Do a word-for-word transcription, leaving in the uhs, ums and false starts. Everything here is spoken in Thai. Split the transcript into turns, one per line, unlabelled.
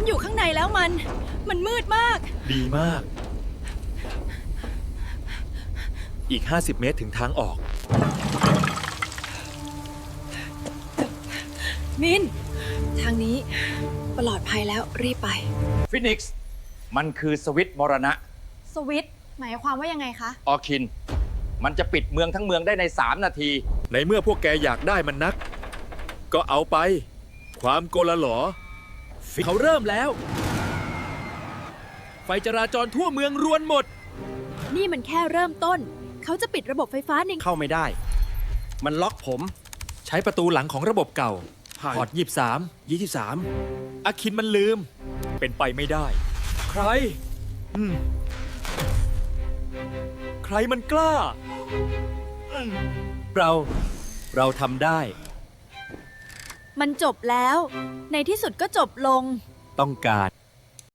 นอยู่ข้างในแล้วมัน มันมืดมาก
ดีมาก อีกห้าสิบเมตรถึงทางออก
มิน ทางนี้ปลอดภัยแล้วรีบไป
ฟินิกซ์มันคือสวิตช์มรณะ
สวิตหมายความว่ายังไงคะ
ออคิน มันจะปิดเมืองทั้งเมืองได้ในสามนาที
ในเมื่อพวกแกอยากได้มันนัก ก็เอาไป ความโกลาหลเขาเริ่มแล้ว ไฟจราจรทั่วเมืองรวนหมด
นี่มันแค่เริ่มต้น เขาจะปิดระบบไฟฟ้าใน
เข้าไม่ได้ มันล็อกผม
ใช้ประตูหลังของระบบเก่า
ผ่าน
พอร์ตยี่สิบสาม
ยี่สิบสาม
อาคินมันลืม เป็นไปไม่ได้ ใคร อืม ใครมันกล้า เรา เราทำได้
มันจบแล้ว ในที่สุดก็จบลง
ต้องการ